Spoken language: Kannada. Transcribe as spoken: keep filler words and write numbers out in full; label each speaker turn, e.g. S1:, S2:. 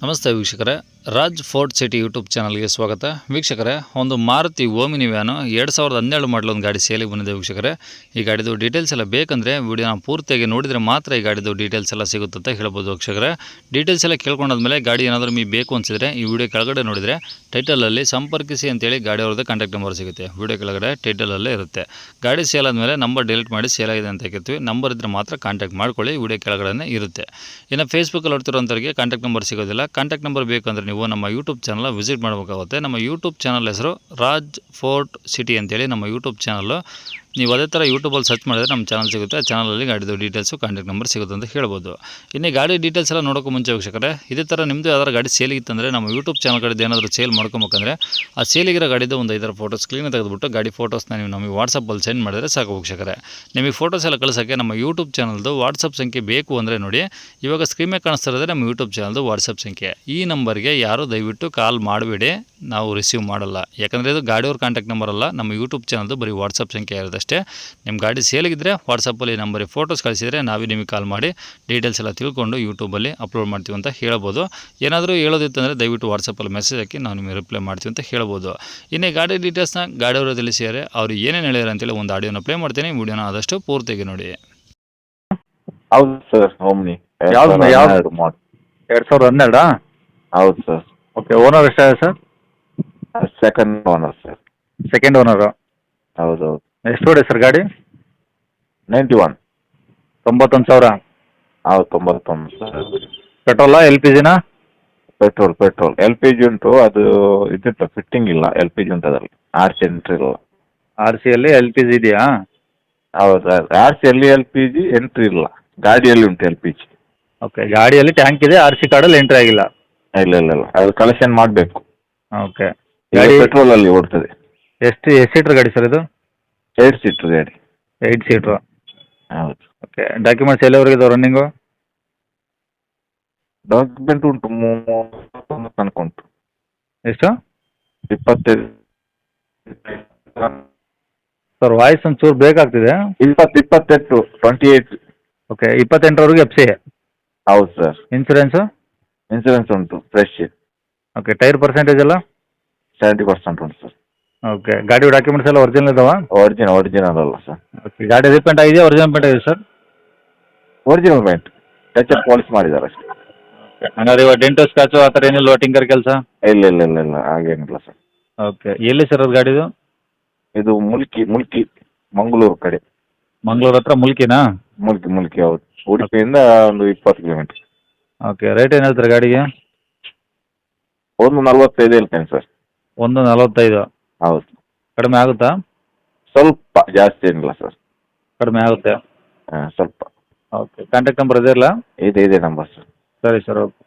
S1: ನಮಸ್ತೆ ವೀಕ್ಷಕರೇ, ರಾಜ್ ಫೋರ್ಟ್ ಸಿಟಿ ಯೂಟ್ಯೂಬ್ ಚಾನಲ್ಗೆ ಸ್ವಾಗತ. ವೀಕ್ಷಕರೇ, ಒಂದು ಮಾರುತಿ ಓಮಿನಿ ವ್ಯಾನು ಎರಡು ಸಾವಿರದ ಹನ್ನೆರಡು ಮಾಡಲ್ ಒಂದು ಗಾಡಿ ಸೇಲಿಗೆ ಬಂದಿದೆ ವೀಕ್ಷಕರೇ. ಈ ಗಾಡಿದು ಡೀಟೇಲ್ಸ್ ಎಲ್ಲ ಬೇಕಂದರೆ ವಿಡಿಯೋನ ಪೂರ್ತಿಯಾಗಿ ನೋಡಿದರೆ ಮಾತ್ರ ಈ ಗಾಡಿದು ಡೀಟೇಲ್ಸ್ ಎಲ್ಲ ಸಿಗುತ್ತೆ ಅಂತ ಹೇಳ್ಬೋದು ವೀಕ್ಷಕರೇ. ಡೀಟೇಲ್ಸ್ ಎಲ್ಲ ಕೇಳ್ಕೊಂಡಾದ್ಮೇಲೆ ಗಾಡಿ ಏನಾದರೂ ನಿಮಗೆ ಬೇಕು ಅನಿಸಿದರೆ ಈ ವಿಡಿಯೋ ಕೆಳಗಡೆ ನೋಡಿದರೆ ಟೈಟಲಲ್ಲಿ ಸಂಪರ್ಕಿಸಿ ಅಂತೇಳಿ ಗಾಡಿ ಅವ್ರದ್ದು ಕಾಂಟ್ಯಾಕ್ಟ್ ನಂಬರ್ ಸಿಗುತ್ತೆ. ವಿಡಿಯೋ ಕೆಳಗಡೆ ಟೈಟಲಲ್ಲೇ ಇರುತ್ತೆ. ಗಾಡಿ ಸೇಲ್ ಆದಮೇಲೆ ನಂಬರ್ ಡಿಲೀಟ್ ಮಾಡಿ ಸೇಲ್ ಆಗಿದೆ ಅಂತ ಹೇಳ್ತೀವಿ. ನಂಬರ್ ಇದ್ದರೆ ಮಾತ್ರ ಕಾಂಟ್ಯಾಕ್ಟ್ ಮಾಡ್ಕೊಳ್ಳಿ, ವಿಡಿಯೋ ಕೆಳಗಡೆ ಇರುತ್ತೆ. ಇನ್ನು ಫೇಸ್ಬುಕ್ಕಲ್ಲಿ ನೋಡ್ತಿರೋಂಥವ್ರಿಗೆ ಕಾಂಟ್ಯಾಕ್ಟ್ ನಂಬರ್ ಸಿಗೋದಿಲ್ಲ. ಕಾಂಟ್ಯಾಕ್ಟ್ ನಂಬರ್ ಬೇಕಂದರೆ ನೀವು ನಮ್ಮ ಯೂಟ್ಯೂಬ್ ಚಾನಲ್ ವಿಸಿಟ್ ಮಾಡಬೇಕಾಗುತ್ತೆ. ನಮ್ಮ ಯೂಟ್ಯೂಬ್ ಚಾನಲ್ ಹೆಸರು ರಾಜ್ ಫೋರ್ಟ್ ಸಿಟಿ ಅಂತೇಳಿ ನಮ್ಮ ಯೂಟ್ಯೂಬ್ ಚಾನಲ್ಲು. ನೀವು ಅದೇ ಥರ ಯೂಟ್ಯೂಬಲ್ಲಿ ಸರ್ಚ್ ಮಾಡಿದ್ರೆ ನಮ್ಮ ಚಾನಲ್ ಸಿಗುತ್ತೆ. ಆ ಚಾನಲಲ್ಲಿ ಗಾಡಿದು ಡೀಟೇಲ್ಸು ಕಾಂಟ್ಯಾಕ್ಟ್ ನಂಬರ್ ಸಿಗುತ್ತೆ ಅಂತ ಹೇಳ್ಬೋದು. ಇನ್ನು ಗಾಡಿ ಡೀಟೇಲ್ಸ್ ಎಲ್ಲ ನೋಡೋಕ್ಕೂ ಮುಂಚೆ ವೀಕ್ಷಕರೇ, ಇದೇ ಥರ ನಿಮ್ಮದು ಯಾವ್ದಾರು ಗಾಡಿ ಸೇಲಿಗಿತ್ತಂದರೆ ನಮ್ಮ ಯೂಟ್ಯೂಬ್ ಚಾನಲ್ ಕಡೆದು ಏನಾದರೂ ಸೇಲ್ ಮಾಡ್ಕೊಬೇಕಂದ್ರೆ ಆ ಸೇಲಿಗಿರೋ ಗಾಡಿದು ಒಂದು ಐದರ ಫೋಟೋಸ್ ಕ್ಲೀನ್ ತೆಗೆದುಬಿಟ್ಟು ಗಾಡಿ ಫೋಟೋಸ್ನ ನೀವು ನಮಗೆ ವಾಟ್ಸಪ್ಪಲ್ಲಿ ಸೆಂಡ್ ಮಾಡಿದರೆ ಸಾಕು ವೀಕ್ಷಕರೇ. ನಿಮಗೆ ಫೋಟೋಸ್ ಎಲ್ಲ ಕಳಿಸೋಕ್ಕೆ ನಮ್ಮ ಯೂಟ್ಯೂಬ್ ಚಾನಲ್ದು ವಾಟ್ಸಪ್ ಸಂಖ್ಯೆ ಬೇಕು ಅಂದರೆ ನೋಡಿ, ಇವಾಗ ಸ್ಕ್ರೀನ್ ಮೇಲೆ ಕಾಣಿಸ್ತಾ ಇರೋದೇ ನಮ್ಮ ಯೂಟ್ಯೂಬ್ ಚಾನಲ್ದು ವಾಟ್ಸಪ್ ಸಂಖ್ಯೆ. ಈ ನಂಬರ್ಗೆ ಯಾರು ದಯವಿಟ್ಟು ಕಾಲ್ ಮಾಡಬೇಡಿ, ನಾವು ರಿಸೀವ್ ಮಾಡಲ್ಲ. ಯಾಕಂದರೆ ಇದು ಗಾಡಿಯವ್ರ ಕಾಂಟ್ಯಾಕ್ಟ್ ನಂಬರ್ ಅಲ್ಲ, ನಮ್ಮ ಯೂಟ್ಯೂಬ್ ಚಾನಲ್ದು ಬರೀ ವಾಟ್ಸಪ್ ಸಂಖ್ಯೆ ಇರೋದಷ್ಟೇ. ನಿಮ್ಮ ಗಾಡಿ ಸೇಲಿಗಿದ್ರೆ ವಾಟ್ಸಪ್ಪಲ್ಲಿ ನಂಬರಿಗೆ ಫೋಟೋಸ್ ಕಳಿಸಿದರೆ ನಾವೇ ನಿಮಗೆ ಕಾಲ್ ಮಾಡಿ ಡೀಟೇಲ್ಸ್ ಎಲ್ಲ ತಿಳ್ಕೊಂಡು ಯೂಟ್ಯೂಬಲ್ಲಿ ಅಪ್ಲೋಡ್ ಮಾಡ್ತೀವಿ ಅಂತ ಹೇಳ್ಬೋದು. ಏನಾದರೂ ಹೇಳೋದಿತ್ತಂದರೆ ದಯವಿಟ್ಟು ವಾಟ್ಸಪ್ಪಲ್ಲಿ ಮೆಸೇಜ್ ಹಾಕಿ ನಾವು ನಿಮಗೆ ರಿಪ್ಲೈ ಮಾಡ್ತೀವಿ ಅಂತ ಹೇಳ್ಬೋದು. ಇನ್ನು ಗಾಡಿ ಡೀಟೇಲ್ಸ್ನ ಗಾಡಿಯವರು ತಿಳಿಸಿದರೆ ಅವ್ರು ಏನೇನು ಹೇಳ್ಯಾರ ಅಂತೇಳಿ ಒಂದು ಆಡಿಯೋನ ಪ್ಲೇ ಮಾಡ್ತೀನಿ. ವಿಡಿಯೋನ ಆದಷ್ಟು ಪೂರ್ತಿಯಾಗಿ ನೋಡಿ.
S2: ಹೌದು ಸರ್, ಓಮ್ನಿ
S3: ಯಾವ್ದು ಯಾವ್ದು
S2: ಮಾಡ್
S3: ಎರಡು ಸಾವಿರದ ಹನ್ನೆರಡಾ?
S2: ಹೌದು ಸರ್.
S3: ಓಕೆ, ಓನರ್ ಎಷ್ಟಾಗಿದೆ sir?
S2: Second owner sir.
S3: Second owner.
S2: ಹೌದು ಹೌದು.
S3: ಎಷ್ಟು ಹೊಡೆ ಸರ್ ಗಾಡಿ?
S2: Ninety one.
S3: ತೊಂಬತ್ತೊಂದು ಸಾವಿರ.
S2: ಹೌದು, ತೊಂಬತ್ತೊಂದು ಸರ್.
S3: ಪೆಟ್ರೋಲಾ ಎಲ್ ಪಿ ಜಿನಾ?
S2: Petrol petrol L P G ಉಂಟು, ಅದು ಇದಿತ್ತು ಫಿಟ್ಟಿಂಗ್ ಇಲ್ಲ. ಎಲ್ ಪಿ ಜಿ ಉಂಟು, ಅದರಲ್ಲಿ ಆರ್ ಸಿ ಎಂಟ್ರಿ ಇಲ್ಲ.
S3: ಆರ್ ಸಿಯಲ್ಲಿ ಎಲ್ ಪಿ ಜಿ ಇದೆಯಾ?
S2: ಹೌದು, ಆರ್ ಸಿ ಅಲ್ಲಿ ಎಲ್ ಪಿ ಜಿ ಎಂಟ್ರಿ ಇಲ್ಲ. ಗಾಡಿಯಲ್ಲಿ ಉಂಟು ಎಲ್ ಪಿ ಜಿ.
S3: ಓಕೆ, ಗಾಡಿಯಲ್ಲಿ ಟ್ಯಾಂಕ್ ಇದೆ, ಆರ್ ಸಿ ಕಾರ್ಡಲ್ಲಿ ಎಂಟ್ರಿ ಆಗಿಲ್ಲ.
S2: ಇಲ್ಲ ಇಲ್ಲ ಇಲ್ಲ, ಅದು ಕಲೆಕ್ಷನ್ ಮಾಡಬೇಕು.
S3: ಓಕೆ,
S2: ಗಾಡಿ
S3: ಗಾಡಿ
S2: ಪೆಟ್ರೋಲಲ್ಲಿ ಓಡ್ತದೆ.
S3: ಎಷ್ಟು ಎಷ್ಟು ಸೀಟ್ರ್ ಗಾಡಿ ಸರ್ ಇದು?
S2: ಏಟ್ ಸೀಟ್ರ್ ಗಾಡಿ.
S3: Eight seater.
S2: ಹೌದು.
S3: ಓಕೆ, ಡಾಕ್ಯುಮೆಂಟ್ಸ್ ಎಲ್ಲವರೆಗೆ ಇದಾವೆ ರನ್ನಿಂಗು?
S2: ಡಾಕ್ಯುಮೆಂಟ್ ಉಂಟು, ಮೂವತ್ತೊಂದು ತನಕ ಉಂಟು.
S3: ಎಷ್ಟು?
S2: ಇಪ್ಪತ್ತೈದು
S3: ಸರ್ ವಾಯ್ಸ್ ಒಂಚೂರು ಬೇಕಾಗ್ತಿದೆ.
S2: ಇಪ್ಪತ್ತು ಇಪ್ಪತ್ತೆಂಟು ಟ್ವೆಂಟಿ ಏಯ್ಟ್.
S3: ಓಕೆ, ಇಪ್ಪತ್ತೆಂಟರವರೆಗೆ ಎಫ್ ಸಿ.
S2: ಹೌದು ಸರ್.
S3: ಇನ್ಸೂರೆನ್ಸು?
S2: ಇನ್ಸೂರೆನ್ಸ್ ಉಂಟು ಫ್ರೆಶ್.
S3: ಓಕೆ, ಟೈರ್ ಪರ್ಸೆಂಟೇಜ್ ಎಲ್ಲ?
S2: ಸೆವೆಂಟಿ ಪರ್ಸೆಂಟ್ ಉಂಟು ಸರ್.
S3: ಓಕೆ, ಗಾಡಿ ಡಾಕ್ಯುಮೆಂಟ್ಸ್ ಎಲ್ಲ ಒರಿಜಿನಲ್ ಇದಾವಾ?
S2: ಒರಿಜಿನಲ್ ಒರಿಜಿನಲ್ ಅಲ್ಲ ಸರ್.
S3: ಓಕೆ, ಗಾಡಿ ರೀಪೇಂಟ್ ಆಗಿದೆಯಾ ಒರಿಜಿನಲ್ ಪೇಂಟ್ ಆಗಿದೆ sir?
S2: Original paint, touch up polish ಮಾಡಿದ್ದಾರೆ ಅಷ್ಟೇ.
S3: ಓಕೆ, ಹಂಗಾದ್ರೆ ಇವಾಗ ಡೆಂಟು ಸ್ಕ್ರಾಚು ಆ ಥರ ಏನಿಲ್ಲ ಟಿಂಕರ್ ಕೆಲಸ?
S2: ಇಲ್ಲ ಇಲ್ಲ ಇಲ್ಲ ಇಲ್ಲ, ಹಾಗೇನಿಲ್ಲ ಸರ್.
S3: ಓಕೆ, ಎಲ್ಲಿ ಸರ್ ಅದು ಗಾಡಿದು?
S2: ಇದು ಮುಲ್ಕಿ ಮುಲ್ಕಿ ಮಂಗಳೂರು ಕಡೆ.
S3: ಮಂಗಳೂರು ಹತ್ರ ಮುಲ್ಕಿನಾ?
S2: ಮುಲ್ಕಿ ಮುಲ್ಕಿ ಹೌದು. ಉಡುಪಿಯಿಂದ ಒಂದು ಇಪ್ಪತ್ತು ಕಿಲೋಮೀಟರ್.
S3: ಓಕೆ, ರೇಟ್ ಏನು ಹೇಳ್ತಾರೆ ಗಾಡಿಗೆ?
S2: ಒಂದು ನಲ್ವತ್ತೈದು ಹೇಳ್ತೇನೆ ಸರ್.
S3: ಒಂದು ನಲವತ್ತೈದು.
S2: ಹೌದು.
S3: ಕಡಿಮೆ ಆಗುತ್ತಾ?
S2: ಸ್ವಲ್ಪ, ಜಾಸ್ತಿ ಏನಿಲ್ಲ ಸರ್.
S3: ಕಡಿಮೆ ಆಗುತ್ತೆ.
S2: ಹಾಂ ಸ್ವಲ್ಪ.
S3: ಓಕೆ, ಕಾಂಟ್ಯಾಕ್ಟ್ ನಂಬರ್ ಇದೆ ಇಲ್ಲ?
S2: ಇದೆ ಇದೆ ನಂಬರ್ ಸರ್.
S3: ಸರಿ ಸರ್, ಓಕೆ.